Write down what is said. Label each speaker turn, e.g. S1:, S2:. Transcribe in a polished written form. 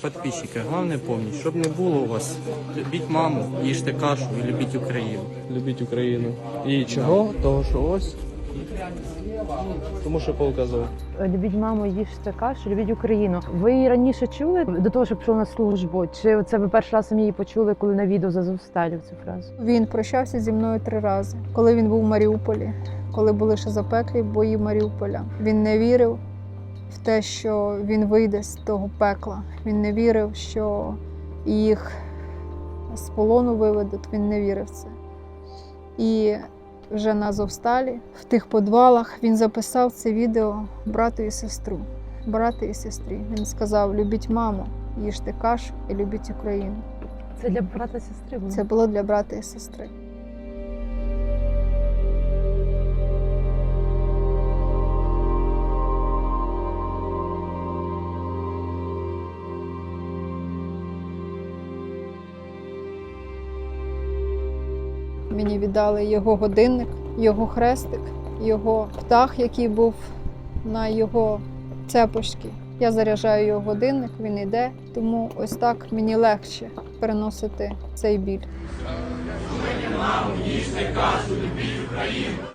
S1: Подписчики, головне помніть, щоб не було у вас, любіть маму, їжте кашу і любіть Україну.
S2: Любіть Україну. І чого? Того, що ось. Тому що показав.
S3: Любіть маму, їжте кашу, любіть Україну. Ви її раніше чули до того, що пішов на службу? Чи це ви перший раз самі її почули, коли на відео з Азовсталі цю фразу?
S4: Він прощався зі мною 3 рази. Коли він був в Маріуполі, коли були ще запеклі бої Маріуполя. Він не вірив в те, що він вийде з того пекла. Він не вірив, що їх з полону виведуть. Він не вірив в це. І вже на Азовсталі, в тих підвалах, він записав це відео брату і сестру. Брату і сестрі. Він сказав: любіть маму, їжте кашу і любіть Україну.
S3: Це для брата і сестри було?
S4: Це було для брата і сестри. Мені віддали його годинник, його хрестик, його птах, який був на його цепочці. Я заряджаю його годинник, він йде, тому ось так мені легше переносити цей біль.